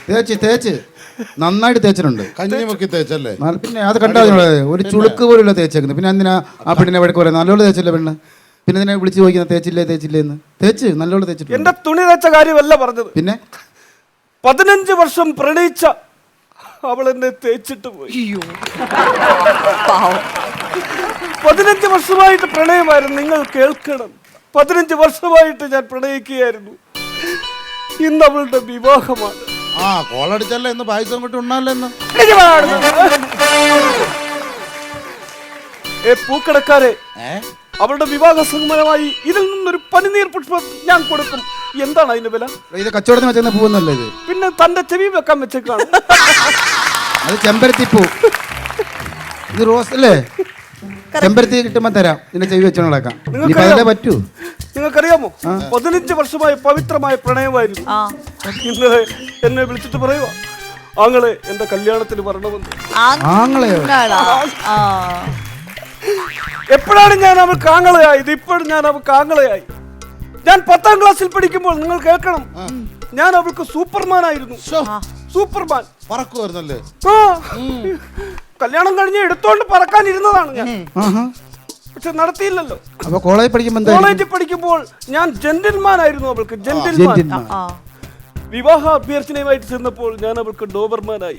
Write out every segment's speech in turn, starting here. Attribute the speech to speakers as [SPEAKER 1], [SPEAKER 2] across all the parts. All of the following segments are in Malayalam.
[SPEAKER 1] തേച്ച് നന്നായിട്ട് തേച്ചിട്ടുണ്ട്.
[SPEAKER 2] കഞ്ഞിമുക്കി തേച്ചല്ലേ?
[SPEAKER 1] പിന്നെ അത് കണ്ടാ ഒരു ചുളുക്ക് പോലുള്ള തേച്ചേക്കുന്നത്. പിന്നെ എന്തിനാ ആ പെണ്ണിനെ വഴക്ക് പറയാം? നല്ലോണം തേച്ചില്ല പെണ്ണ്. പിന്നെ ഇതിനെ വിളിച്ച് ചോദിക്കുന്ന തേച്ചില്ലേ എന്ന്. തേച്ച് നല്ലോണം തേച്ചിട്ടുണ്ട്.
[SPEAKER 3] എന്റെ തുണി തേച്ച കാര്യമല്ല പറഞ്ഞത്.
[SPEAKER 1] പിന്നെ
[SPEAKER 3] 15 വർഷം പ്രണയിച്ച അവൾ എന്നെ തേച്ചിട്ട് പോയി. 15 വർഷമായിട്ട് പ്രണയമായിരുന്നു. നിങ്ങൾ കേൾക്കണം, 15 വർഷമായിട്ട് ഞാൻ പ്രണയിക്കുകയായിരുന്നു. ഇന്ന് അവളുടെ വിവാഹമാണ്.
[SPEAKER 2] ആ കോളടിച്ചല്ലേ ഇന്ന് പായസം കൊണ്ട് ഉണ്ണാല്ലോ ഇന്ന്.
[SPEAKER 3] പൂക്കടക്കാരെ, അവളുടെ വിവാഹ സംഗമനമായി ഇതിൽ നിന്നൊരു പനിനീർ പുഷ്പം ഞാൻ കൊടുക്കും. എന്താണ് അതിന്റെ വില?
[SPEAKER 1] ഇത് കച്ചവടത്തിന് വെച്ചെന്ന പൂവെന്നല്ലേ ഇത്?
[SPEAKER 3] പിന്നെ തന്റെ ചെവി വെക്കാൻ വെച്ചേക്കാണ്.
[SPEAKER 1] അത് ചെമ്പരത്തി പൂ. ഇത് റോസ് അല്ലേ? ചെമ്പരത്തി കിട്ടുമ്പോ തരാം. ഇതിന്റെ ചെവി വെച്ചോളാക്കാം. പറ്റൂ.
[SPEAKER 3] നിങ്ങൾക്കറിയാമോ, 15 വർഷമായി പവിത്രമായ പ്രണയമായിരുന്നു. ഇന്ന് എന്നെ വിളിച്ചിട്ട് പറയുക, ആങ്ങളെ എന്റെ കല്യാണത്തിന് വരണമെന്ന്. എപ്പോഴാണ് ഞാൻ അവൾക്ക് ആങ്ങളയായത്? ഇപ്പോഴും ഞാൻ അവൾക്ക് ആങ്ങളയായി. ഞാൻ 10ാം ക്ലാസ്സിൽ പഠിക്കുമ്പോൾ നിങ്ങൾ കേൾക്കണം, ഞാൻ അവൾക്ക് സൂപ്പർമാൻ ആയിരുന്നു. സൂപ്പർമാൻ
[SPEAKER 2] പറക്കുമായിരുന്നല്ലേ?
[SPEAKER 3] കല്യാണം കഴിഞ്ഞ് എടുത്തോണ്ട് പറക്കാൻ ഇരുന്നതാണ് ഞാൻ. പക്ഷെ നടത്തിയില്ലല്ലോ. കോളേജിൽ പഠിക്കുമ്പോൾ ഞാൻ ജെന്റിൽമാൻ ആയിരുന്നു അവൾക്ക്. ജെന്റിൽമാൻ. വിവാഹ അഭ്യർത്ഥനയുമായിട്ട് ചെന്നപ്പോൾ ഞാൻ അവൾക്ക് ഡോബർമാനായി.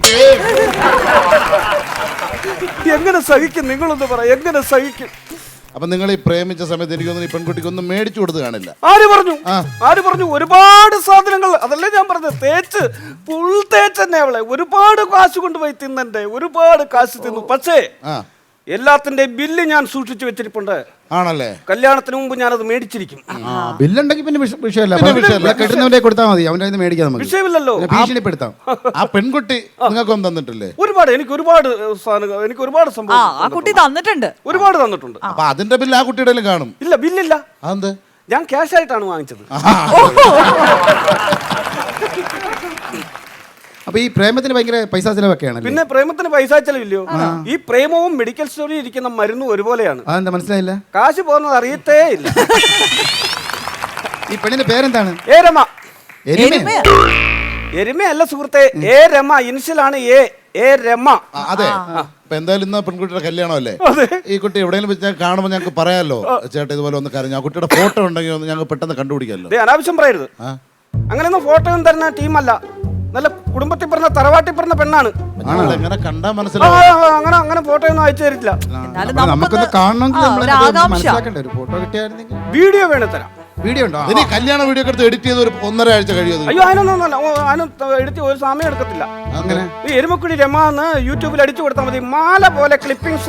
[SPEAKER 3] എങ്ങനെ സഹിക്കും? നിങ്ങളൊന്ന് പറ, എങ്ങനെ സഹിക്കും?
[SPEAKER 2] അപ്പൊ നിങ്ങൾ ഈ പ്രേമിച്ച സമയത്ത് എനിക്കൊന്നും ഈ പെൺകുട്ടിക്കൊന്നും മേടിച്ചു കൊടുത്ത് കാണില്ല.
[SPEAKER 3] ആര് പറഞ്ഞു? ഒരുപാട് സാധനങ്ങൾ. അതല്ലേ ഞാൻ പറഞ്ഞത്, തേച്ച് ഫുൾ തേച്ച് തന്നെ അവളെ ഒരുപാട് കാശ് കൊണ്ടുപോയി തിന്നെ, ഒരുപാട് കാശ് തിന്നു. പക്ഷേ എല്ലാത്തിന്റെ ബില്ല് ഞാൻ സൂക്ഷിച്ചു വെച്ചിരിപ്പുണ്ട്.
[SPEAKER 2] ആണല്ലേ?
[SPEAKER 3] കല്യാണത്തിന് മുമ്പ് ഞാനത് മേടിച്ചിരിക്കും.
[SPEAKER 1] ബില്ലുണ്ടെങ്കിൽ പിന്നെ വിഷയമല്ല. കെട്ടുന്നവരെ കൊടുത്താൽ മതി. അവന്റെ മേടിക്കാം.
[SPEAKER 3] വിഷയമില്ലല്ലോ.
[SPEAKER 1] ഭീഷണിപ്പെടുത്താം.
[SPEAKER 2] ആ പെൺകുട്ടി നിങ്ങൾക്കൊന്നും തന്നിട്ടില്ലേ?
[SPEAKER 3] എനിക്ക് ഒരുപാട് സംഭവം
[SPEAKER 4] തന്നിട്ടുണ്ട്.
[SPEAKER 3] ഒരുപാട് തന്നിട്ടുണ്ട്.
[SPEAKER 2] അപ്പൊ അതിന്റെ ബില്ല് ആ കുട്ടിയുടെ കാണും.
[SPEAKER 3] ഇല്ല, ബില്ലില്ല.
[SPEAKER 2] അതെന്ത്?
[SPEAKER 3] ഞാൻ ക്യാഷ് ആയിട്ടാണ് വാങ്ങിച്ചത്.
[SPEAKER 1] അപ്പൊ ഈ പ്രേമത്തിന് ഭയങ്കര പൈസ ചെലവൊക്കെയാണ്.
[SPEAKER 3] പിന്നെ പ്രേമത്തിന് പൈസ ചെലവില്ലയോ? ഈ പ്രേമവും മെഡിക്കൽ സ്റ്റോറിൽ ഇരിക്കുന്ന മരുന്നും ഒരുപോലെയാണ്.
[SPEAKER 1] അതെന്താ മനസ്സിലായില്ല?
[SPEAKER 3] കാശ് പോകുന്നത് അറിയത്തേ ഇല്ല.
[SPEAKER 1] ഈ പെണ്ണിന്റെ പേരെന്താണ്?
[SPEAKER 3] എരുമയല്ല സുഹൃത്തെ, എ രമ. ഇനിഷ്യലാണ് എ രമ.
[SPEAKER 2] അതെ. അപ്പൊ എന്തായാലും ഇന്ന് പെൺകുട്ടിയുടെ കല്യാണമല്ലേ? ഈ കുട്ടി എവിടെയെങ്കിലും വെച്ച് കാണുമ്പോൾ ഞങ്ങൾക്ക് പറയാലോ, ചേട്ടാ ഇതുപോലെ ഒന്ന് കരഞ്ഞു. ആ കുട്ടിയുടെ ഫോട്ടോ ഉണ്ടെങ്കിൽ ഞങ്ങൾക്ക് പെട്ടെന്ന് കണ്ടുപിടിക്കാമല്ലോ.
[SPEAKER 3] അനാവശ്യം പറയരുത്. അങ്ങനെയൊന്നും ഫോട്ടോ ഒന്നും തരുന്ന ടീമല്ല. നല്ല കുടുംബത്തിൽ പറഞ്ഞ തറവാട്ടിൽ പറഞ്ഞ പെണ്ണാണ്. അങ്ങനെ ഫോട്ടോ ഒന്നും അയച്ചു തരില്ല. വീഡിയോ വേണേ തരാം.
[SPEAKER 1] വീഡിയോ ഉണ്ടോ?
[SPEAKER 2] കല്യാണ വീഡിയോ എടുത്ത് എഡിറ്റ് ചെയ്ത് 1.5 ആഴ്ച കഴിയും.
[SPEAKER 3] അയ്യോ, അതിനൊന്നും എഡിറ്റ് ഒരു സമയം എടുക്കത്തില്ല. ഈ എരുമക്കുടി രമ എന്ന് യൂട്യൂബിൽ അടിച്ചു കൊടുത്താൽ മതി. മാല പോലെ ക്ലിപ്പിംഗ്സ്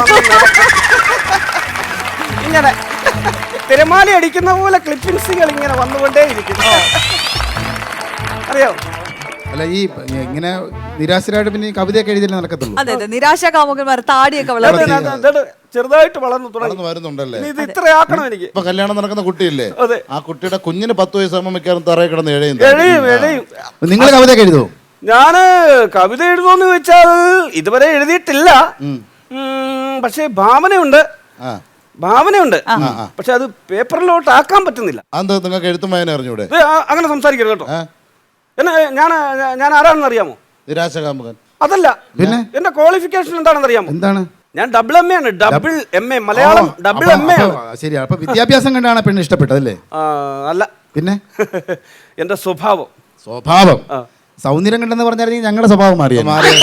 [SPEAKER 3] ഇങ്ങനെ തിരമാല അടിക്കുന്ന പോലെ ക്ലിപ്പിംഗ്സുകൾ ഇങ്ങനെ വന്നുകൊണ്ടേ ഇരിക്കും. അറിയോ?
[SPEAKER 1] അല്ല, ഈ ഇങ്ങനെ നിരാശരായിട്ട് പിന്നെ കവിതയൊക്കെ എഴുതിയല്ലേ നടക്കത്തുള്ളൂ.
[SPEAKER 4] അതെ, നിരാശ കാമുകന്മാർ താടിയൊക്കെ
[SPEAKER 3] ചെറുതായിട്ട് വളർന്നു
[SPEAKER 2] വരുന്നുണ്ടല്ലേ?
[SPEAKER 3] ഇത് ഇത്ര ആക്കണം എനിക്ക്.
[SPEAKER 2] ഇപ്പൊ കല്യാണം നടക്കുന്ന കുട്ടിയില്ലേ, ആ കുട്ടിയുടെ കുഞ്ഞിന് 10 വയസ്സാകുമ്പോൾ മിക്കവാറും തറയിൽ കിടന്ന് എഴയും.
[SPEAKER 1] നിങ്ങൾ കവിതയൊക്കെ എഴുതുമോ?
[SPEAKER 3] ഞാന് കവിത എഴുതുമെന്ന് ചോദിച്ചാൽ ഇതുവരെ എഴുതിയിട്ടില്ല. പക്ഷേ ഭാവനയുണ്ട്. പക്ഷെ അത് പേപ്പറിലോട്ട് ആക്കാൻ പറ്റുന്നില്ല.
[SPEAKER 2] അതെന്താ? നിങ്ങൾക്ക് എഴുത്തും വായന അറിഞ്ഞൂടെ?
[SPEAKER 3] അങ്ങനെ സംസാരിക്കരുത് കേട്ടോ. ഞാൻ ആരാണെന്ന് അറിയാമോ?
[SPEAKER 2] നിരാശകാമുകൻ.
[SPEAKER 3] അതല്ല. പിന്നെ എന്റെ ക്വാളിഫിക്കേഷൻ എന്താണെന്ന് അറിയാമോ?
[SPEAKER 1] എന്താണ്?
[SPEAKER 3] ഞാൻ ഡബിൾ MA ആണ്. Double MA Malayalam. Double MA ആണ്.
[SPEAKER 1] ശരി. അപ്പൊ വിദ്യാഭ്യാസം കണ്ടാണ് പെണ്ണ് ഇഷ്ടപ്പെട്ടതല്ലേ?
[SPEAKER 3] അല്ല.
[SPEAKER 1] പിന്നെ
[SPEAKER 3] എന്റെ സ്വഭാവം.
[SPEAKER 1] സൗന്ദര്യം കണ്ടെന്ന് പറഞ്ഞാൽ ഞങ്ങളുടെ സ്വഭാവം മാറിയ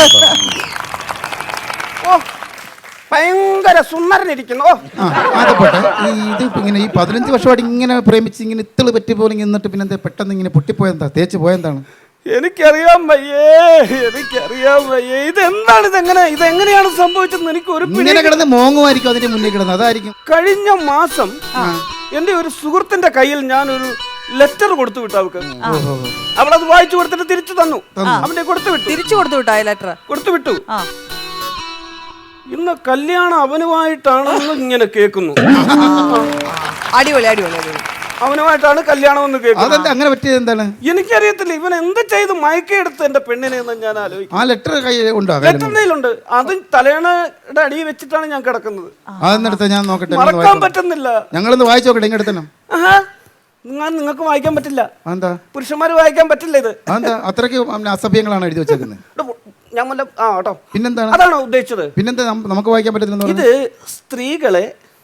[SPEAKER 3] ഭയങ്കര സുന്ദരനിരിക്കുന്നു.
[SPEAKER 1] ഇത് ഇങ്ങനെ ഈ 15 വർഷമായിട്ട് ഇങ്ങനെ പ്രേമിച്ച് ഇങ്ങനെ ഇത്തള് പറ്റി പോലെ എന്നിട്ട് പിന്നെ പെട്ടെന്ന് ഇങ്ങനെ പൊട്ടിപ്പോയെന്താ? തേച്ച് പോയെന്താണ്?
[SPEAKER 3] എനിക്കറിയാൻ വയ്യേ. ഇതെന്താണ്? ഇതെങ്ങനെയാണ് സംഭവിച്ചത്? എനിക്ക് ഒരു
[SPEAKER 1] കിടന്ന് മോങ്ങുമായിരിക്കും അതിന്റെ മുന്നിൽ കിടന്ന്. അതായിരിക്കും.
[SPEAKER 3] കഴിഞ്ഞ മാസം എന്റെ ഒരു സുഹൃത്തിന്റെ കയ്യിൽ ഞാനൊരു ലെറ്റർ കൊടുത്തു വിട്ടു. അവളത് വായിച്ചു കൊടുത്തിട്ട് തിരിച്ചു തന്നു. അവന്റെ തിരിച്ചു കൊടുത്തു വിട്ടു. ഇന്ന് കല്യാണം അവനുമായിട്ടാണെന്ന് ഇങ്ങനെ കേൾക്കുന്നു.
[SPEAKER 4] അടിപൊളി.
[SPEAKER 3] അവനുമായിട്ടാണ് കല്യാണം എന്ന് കേൾക്കുന്നത്.
[SPEAKER 1] അങ്ങനെ പറ്റിയത് എന്താണ്?
[SPEAKER 3] എനിക്കറിയത്തില്ല. ഇവൻ എന്ത് ചെയ്ത് മയക്കെടുത്ത് എന്റെ പെണ്ണിനെ എന്ന് ഞാൻ ആലോചിക്കും.
[SPEAKER 1] ആ ലെറ്റർ കയ്യിലുണ്ട്.
[SPEAKER 3] അത് തലേണയുടെ അടിയിൽ വെച്ചിട്ടാണ് ഞാൻ കിടക്കുന്നത്.
[SPEAKER 1] അതെന്നെടുത്ത് ഞാൻ നോക്കട്ടെ.
[SPEAKER 3] മറക്കാൻ പറ്റുന്നില്ല.
[SPEAKER 1] ഞങ്ങളൊന്ന് വായിച്ചു നോക്കട്ടെ. ഇങ്ങെടുത്തണം.
[SPEAKER 3] നിങ്ങൾക്ക് വായിക്കാൻ പറ്റില്ല.
[SPEAKER 1] എന്താ
[SPEAKER 3] പുരുഷന്മാർ വായിക്കാൻ പറ്റില്ല ഇത്.
[SPEAKER 1] എന്താ അത്രയ്ക്ക് അസഭ്യങ്ങളാണ് എഴുതി വെച്ചേക്കുന്നത്?
[SPEAKER 3] ഞാൻ കേട്ടോ
[SPEAKER 1] പിന്നെന്താണ്?
[SPEAKER 3] അതാണോ ഉദ്ദേശിച്ചത്?
[SPEAKER 1] പിന്നെന്താ നമുക്ക് വായിക്കാൻ പറ്റില്ല?
[SPEAKER 3] ഇത് സ്ത്രീകൾ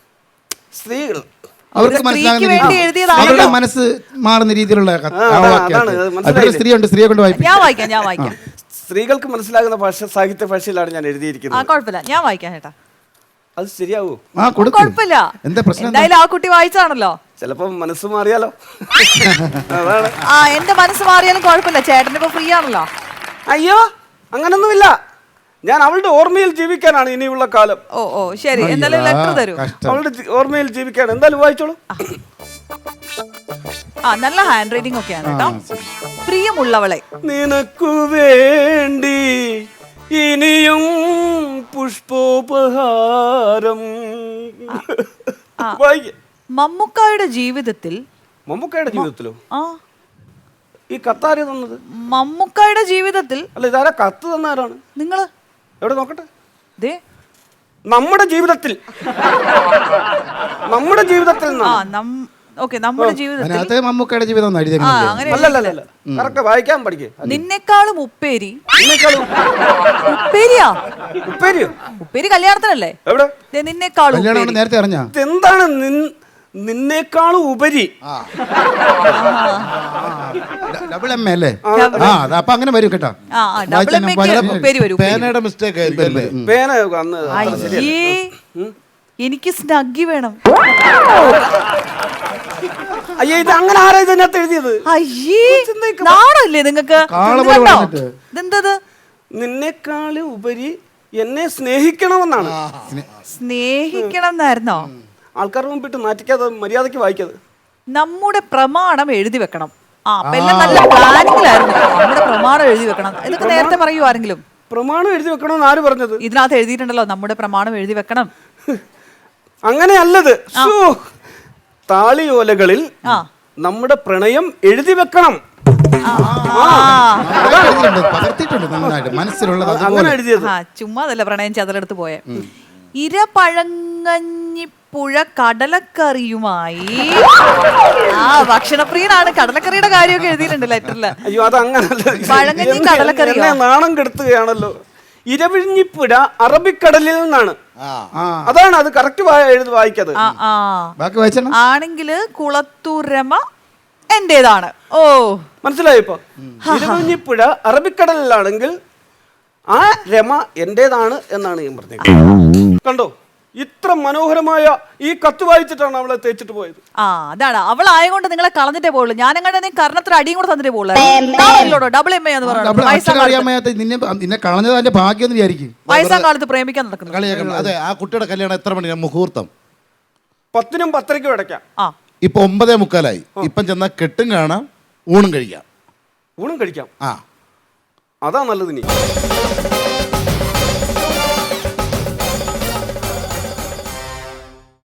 [SPEAKER 1] അവർക്ക് മനസ്സിലാകുന്ന അവരുടെ മനസ്സ് മാറുന്ന രീതിയിലുള്ള സ്ത്രീ ഉണ്ട്, സ്ത്രീയെ കൊണ്ട് വായിക്കും.
[SPEAKER 4] ഞാൻ വായിക്കാം.
[SPEAKER 3] സ്ത്രീകൾക്ക് മനസ്സിലാകുന്ന ഭാഷ സാഹിത്യ ഭാഷയിലാണ് ഞാൻ എഴുതിയിരിക്കുന്നത്.
[SPEAKER 4] കുഴപ്പമില്ല, ഞാൻ വായിക്കാം ചേട്ടാ.
[SPEAKER 3] അത് ശരിയാവൂ?
[SPEAKER 4] കുഴപ്പമില്ല.
[SPEAKER 1] എന്താ പ്രശ്നം?
[SPEAKER 4] എന്തായാലും ആ കുട്ടി വായിച്ചാണല്ലോ.
[SPEAKER 3] ചിലപ്പോ മനസ്സ് മാറിയാലോ. അതാണ്.
[SPEAKER 4] എന്റെ മനസ്സ് മാറിയാലും കുഴപ്പമില്ല, ചേട്ടനിപ്പോ ഫ്രീ ആണല്ലോ.
[SPEAKER 3] അയ്യോ അങ്ങനൊന്നുമില്ല, ഞാൻ അവളുടെ ഓർമ്മയിൽ ജീവിക്കാനാണ് ഇനിയുള്ള കാലം.
[SPEAKER 4] ഓ ശരി, എന്തായാലും ലെറ്റർ തരൂ.
[SPEAKER 3] അവളുടെ ഓർമ്മയിൽ ജീവിക്കാൻ എന്തായാലും വായിച്ചോളൂ.
[SPEAKER 4] നല്ല ഹാൻഡ് റൈറ്റിംഗ് ഒക്കെയാണ് കേട്ടോ. പ്രിയമുള്ളവളെ,
[SPEAKER 3] നിനക്കു വേണ്ടി ഇനിയും പുഷ്പോപഹാരം.
[SPEAKER 4] മമ്മൂക്കായുടെ ജീവിതത്തിലോ?
[SPEAKER 3] ഈ കത്താര് തന്നത്?
[SPEAKER 4] മമ്മൂക്കായുടെ ജീവിതത്തിൽ
[SPEAKER 3] അല്ല, ഇതാരാ കത്ത് തന്നാരാണ്?
[SPEAKER 4] നിങ്ങള്
[SPEAKER 3] എവിടെ നോക്കട്ടെ. നമ്മുടെ ജീവിതത്തിൽ നമ്മുടെ ജീവിതത്തിൽ
[SPEAKER 1] മമ്മൂക്കയുടെ ജീവിതം
[SPEAKER 3] അല്ലല്ല, കറക്റ്റ് വായിക്കാൻ പഠിക്കേ.
[SPEAKER 4] നിന്നെക്കാളും ഉപ്പേരി. ഉപ്പേരി കല്യാണത്തിനല്ലേ?
[SPEAKER 3] എവിടെ?
[SPEAKER 4] നിന്നെക്കാളും
[SPEAKER 1] നേരത്തെ അറിഞ്ഞ
[SPEAKER 3] എന്താണ് നിന്നേക്കാളും ഉപരി?
[SPEAKER 1] ഡബിൾ എം അല്ലേ? അപ്പൊ അങ്ങനെ വരും കേട്ടോ.
[SPEAKER 2] പേനയുടെ മിസ്റ്റേക്ക് ആയിരിക്കും.
[SPEAKER 3] പേന
[SPEAKER 4] എനിക്ക് സ്നഗ്ഗി വേണം.
[SPEAKER 3] അയ്യേ, ഇത് അങ്ങനെ ആരാ ഇതിനകത്ത് എഴുതിയത്?
[SPEAKER 4] നാണല്ലേ നിങ്ങക്ക്? ഇതെന്തത്?
[SPEAKER 3] നിന്നെക്കാള് ഉപരി എന്നെ സ്നേഹിക്കണമെന്നാണ്.
[SPEAKER 4] സ്നേഹിക്കണം എന്നായിരുന്നോ?
[SPEAKER 3] ആൾക്കാരുടെ മുമ്പിട്ട് നാറ്റിക്കാതെ മര്യാദക്ക് വായിക്കാതെ.
[SPEAKER 4] നമ്മുടെ പ്രമാണം എഴുതി വെക്കണം. നല്ല പ്ലാനിങ്ങിലായിരുന്നു. നമ്മുടെ പ്രമാണം എഴുതി വെക്കണം. ഇതൊക്കെ നേരത്തെ പറയൂ ആരെങ്കിലും?
[SPEAKER 3] പ്രമാണം എഴുതി വെക്കണമെന്ന് ആര് പറഞ്ഞത്?
[SPEAKER 4] ഇതിനകത്ത് എഴുതിയിട്ടുണ്ടല്ലോ, നമ്മുടെ പ്രമാണം എഴുതി വെക്കണം.
[SPEAKER 3] അങ്ങനെയല്ലത്. താളിയോലകളിൽ നമ്മുടെ പ്രണയം എഴുതി വെക്കണം. അങ്ങനെ എഴുതിയത്.
[SPEAKER 4] ചുമ്മാതല്ല പ്രണയം ചതലെടുത്ത് പോയ. ഇരപഴങ്ങഞ്ഞിപ്പുഴ കടലക്കറിയുമായി. ഭക്ഷണപ്രിയനാണ്. കടലക്കറിയുടെ കാര്യമൊക്കെ എഴുതിയിട്ടുണ്ട് ലെറ്ററില്.
[SPEAKER 3] അയ്യോ, അത് അങ്ങനല്ല.
[SPEAKER 4] പഴങ്ങഞ്ഞി കടലക്കറി
[SPEAKER 3] നാണം കെടുത്തുകയാണല്ലോ. ഇരവിഴിഞ്ഞിപ്പുഴ അറബിക്കടലിൽ നിന്നാണ്. അതാണ് അത് കറക്റ്റ് എഴുതി വായിക്കത്.
[SPEAKER 4] ആണെങ്കില് കുളത്തൂരമ എന്റേതാണ്. ഓ,
[SPEAKER 3] മനസ്സിലായി. ഇപ്പൊ ഇരവിഴിഞ്ഞിപ്പുഴ അറബിക്കടലിലാണെങ്കിൽ ആ രമ എന്റേതാണ് എന്നാണ് ഞാൻ പറഞ്ഞത്. കണ്ടോ, ഇത്ര മനോഹരമായ ഈ കത്ത് വായിച്ചിട്ടാണ് അവളെ തേച്ചിട്ട് പോയത്.
[SPEAKER 4] അതാണ് അവളായതുകൊണ്ട് നിങ്ങളെ കളഞ്ഞിട്ടേ പോകുള്ളൂ. ഞാനെങ്ങനെ നീ കർണത്തിന് അടിയും കൂടെ തന്നിട്ടേ പോകുള്ളൂ. ഡബിൾ എം എന്ന് പറയുന്നത് വയസ്സാം കാലത്ത് പ്രേമിക്കാൻ നടക്കുന്നു.
[SPEAKER 2] അതെ, ആ കുട്ടിയുടെ കല്യാണം എത്ര മണിക്കാണ് മുഹൂർത്തം?
[SPEAKER 3] 10-നും 10:30-ക്കും ഇടയ്ക്കാം.
[SPEAKER 2] ഇപ്പൊ 9:45. ഇപ്പം ചെന്നാൽ കെട്ടും കാണാം, ഊണും കഴിക്കാം.
[SPEAKER 3] അതാ നല്ലത്. നീ